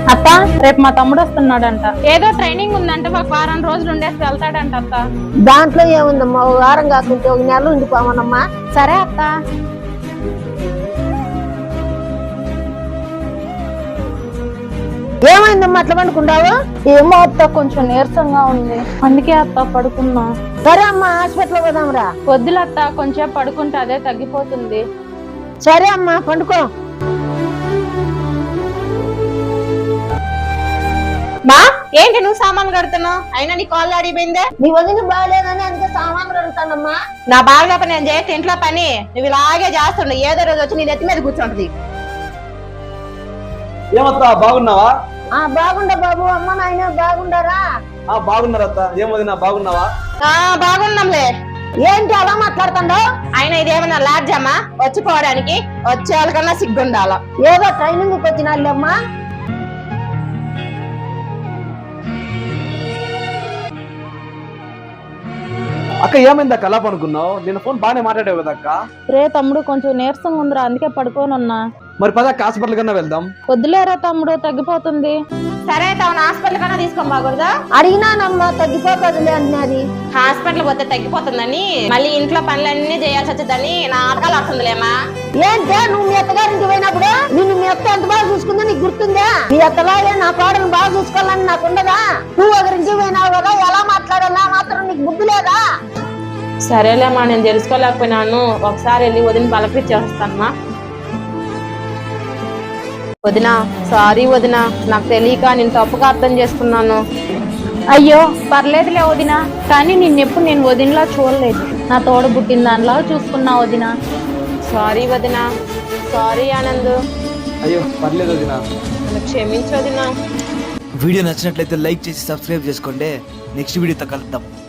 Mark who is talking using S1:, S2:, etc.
S1: అత్త రేపు మా తమ్ముడు వస్తున్నాడంట. ఏదో ట్రైనింగ్ ఉందంట, ఒక వారం రోజులు ఉండేసి వెళ్తాడంట అత్త.
S2: దాంట్లో ఏముందమ్మా, ఒక వారం కాకుంటే ఒక నెల ఉండిపోమనమ్మా.
S1: సరే అత్త.
S2: ఏమైందమ్మా అట్లా పండుకుంటావు?
S1: ఏమో అత్త, కొంచెం నీరసంగా ఉంది, అందుకే అత్త పడుకున్నా.
S2: సరే అమ్మా, హాస్పిటల్ పోదాంరా.
S1: వద్దులత్త, కొంచెం పడుకుంటే అదే తగ్గిపోతుంది.
S2: సరే అమ్మా, పండుకో.
S3: మా ఏంటి నువ్వు సామాన్లు కడుతున్నావు? అయినా నీ కాళ్ళు అడిగిపోయిందే.
S2: నీ వదిన బాగాలేదని అందుకే సామాన్లు కడుగుతానమ్మా.
S3: నా బాగా పని నేను చేస్తే ఇంట్లో పని నువ్వు ఇలాగే చేస్తుండే, ఏదో రోజు వచ్చి నీ నెత్తి మీద కూర్చుంటది.
S4: ఏమత్తా బాగున్నావా?
S2: బాగుండా బాబు, అమ్మ నాయన బాగుండారా?
S4: బాగున్నారత్తా. ఏం వదినా బాగున్నావా?
S3: బాగున్నాంలే.
S2: ఏంటి అలా మాట్లాడుతుండో?
S3: అయినా ఇదేమన్నా లాడ్జమ్మా వచ్చిపోవడానికి? వచ్చే వాళ్ళకన్నా సిగ్గుండాల.
S2: ఏదో ట్రైనింగ్ వచ్చినాళ్ళమ్మా.
S4: అక్క ఏమైంది అక్క అలా పనుకున్నావు? నేను ఫోన్ బాగానే మాట్లాడావు కదా అక్క.
S1: రే తమ్ముడు, కొంచెం నీరసంగా ఉందిరా, అందుకే పడుకోనున్నా.
S4: మరి పద హాస్పిటల్ కన్నా వెళ్దాం.
S1: వద్దులేరా తమ్ముడు, తగ్గిపోతుంది.
S3: సరే తను హాస్పిటల్ కన్నా తీసుకొని బాగూడదా?
S2: అడిగినానమ్మా, తగ్గిపోతుందిలే అంటున్నది.
S3: హాస్పిటల్ పోతే తగ్గిపోతుందని మళ్ళీ ఇంట్లో పనులన్నీ చేయాల్సి వచ్చేదని నాటకాలు వస్తుందిలేమా.
S2: ఏంటే నువ్వు మీ అత్తగారింటి పోయినప్పుడు నిన్ను మీ అత్త ఎంత బాగా చూసుకుందో నీకు గుర్తుందా? మీ అత్తలాగే నా కోడను బాగా చూసుకోవాలని నాకు ఉండదా? నువ్వు ఒకరించి పోయినావు కదా, ఎలా మాట్లాడాలా మాత్రం నీకు బుద్ధి లేదా?
S3: సరేలేమ్మా, నేను తెలుసుకోలేకపోయినాను. ఒకసారి వెళ్ళి వదిన పలకరించేస్తానమ్మా. వదినా సారీ వదినా, నాకు తెలియక నేను తప్పుగా అర్థం చేసుకున్నాను.
S1: అయ్యో పర్లేదులే వదినా, కానీ నిన్నెప్పుడు నేను వదినలా చూడలేదు. నా తోడ పుట్టిన దానిలా చూసుకున్నా వదినా.
S3: సారీ వదినా. సారీ ఆనంద్.
S4: అయ్యో పర్లేదు వదినా.
S3: నన్ను క్షమించు వదినా.
S5: వీడియో నచ్చినట్లయితే లైక్ చేసి సబ్స్క్రైబ్ చేసుకోండి. నెక్స్ట్ వీడియోతో కలుద్దాం.